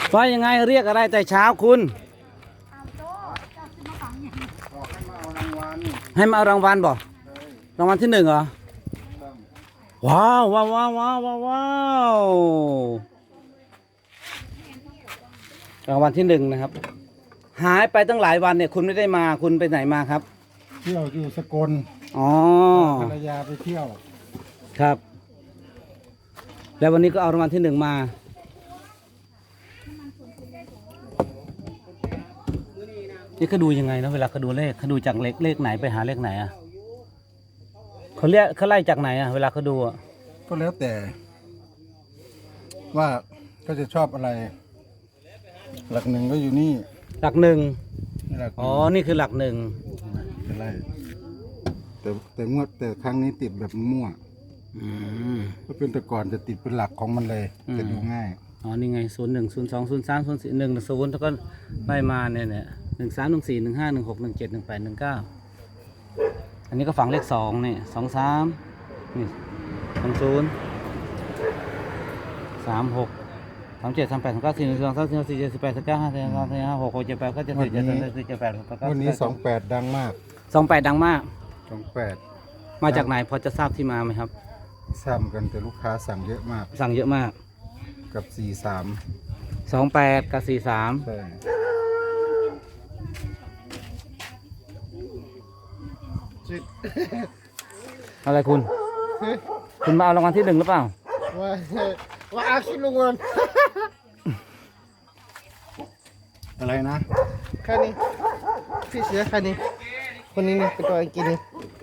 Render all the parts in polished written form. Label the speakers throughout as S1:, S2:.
S1: ว่ายังไงเรียกอะไรแต่เช้าคุณให้มาเอารางวัลบ่รางวัลที่1เหรอว้าวว้าวว้าวว้าวว้าวรางวัลที่1นะครับหายไปตั้งหลายวันเนี่ยคุณไม่ได้มาคุณไปไหนมาครับ
S2: เที่ยวอยู่สกล
S1: อ๋อ
S2: ภรรยาไปเที่ยว
S1: ครับแล้ววันนี้ก็เอารางวัลที่1มานี่เขาดูยังไงนะเวลาเขาดูเลขเขาดูจากเลขไหนไปหาเลขไหนอ่ะเขาไล่จากไหนอ่ะเวลาเขาดูอ่ะ
S2: ก็แล้วแต่ ว่าก็จะชอบอะไร หลัก1ก็อยู่นี่
S1: หลัก1อ๋อนี่คือหลัก1
S2: อะไรแต่งวดแต่ครั้งนี้ติดแบบมั่วก็เป็นแต่ก่อนจะติดเป็นหลักของมันเลยจะดูง่าย
S1: อ๋อนี่ไง01 02 03 04 10แล้วก็ไล่มาเนี่ย13 14 15 16 17 18 19อันนี้ก็ฝังเลข2เนี่ย23นี่20 36 37 38 39 41 42 43 44 48 49 50 51 52 56 57 58 59 70 78
S2: วันนี้28ดังมาก
S1: 28ดังมาก
S2: 28
S1: มาจากไหนพอจะทราบที่มาไหมครับ
S2: ซ้ำกันแต่ลูกค้าสั่งเยอะมาก
S1: สั่งเยอะมาก
S2: กับ43
S1: 28กับ43
S2: ใช่
S1: อะไรคุณมาเอารางวัลที่1หรือเปล่า
S2: ว่าอาชีพลุงเงินอะไรนะ
S3: แค่นี้พี่เสือแค่นี้คนนี้นี่เป็นตัวกินนี่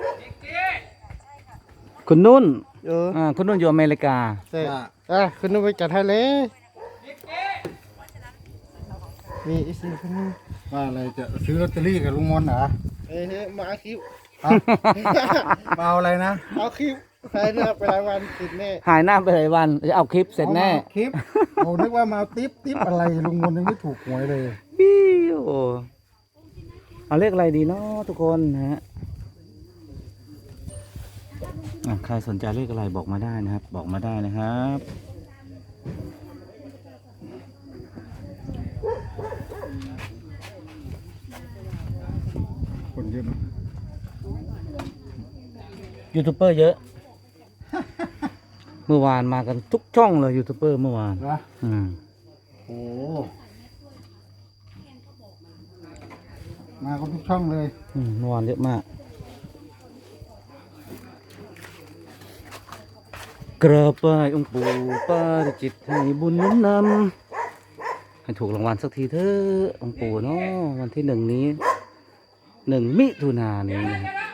S1: คุณนุ่นคุณนุ่นอยู่อเมริกา
S3: ใช่คุณนุ่นไปจัดให้เลยมีอีสิคนนี้
S2: ว่าอะไรจะซื้อลอตเตอรี่กับลุงมนเหรอ
S3: มาเอาคลิป
S2: มาเอาอะไรนะ
S3: เอาคลิปหายหน้าไปหลายวันติดแน่
S1: หายหน้าไปหลายวันจะเอาคลิปเสร็จแน่
S2: คลิปโอ้นึกว่ามาติ๊บอะไรลุงมนยังไม่ถูกหวยเลย
S1: ปิ้วเอาเลขอะไรดีเนาะทุกคนนะฮะใครสนใจเลขอะไรบอกมาได้นะครับบอกมาได้นะครับ
S2: คนเยอะไหม
S1: ยูทูบเบอร์เยอะเมื่อวานมากันทุกช่องเลยยูทูบเบอร์เมื่อวาน
S2: โอ้มากันทุกช่องเลย
S1: เมื่อวานเยอะมากกราบไหว้องค์ปู่ปาริจิตให้บุญนุนนำให้ถูกรางวัลสักทีเถอะองค์ปู่เนาะวันที่1นี้1 มิถุนายนนี้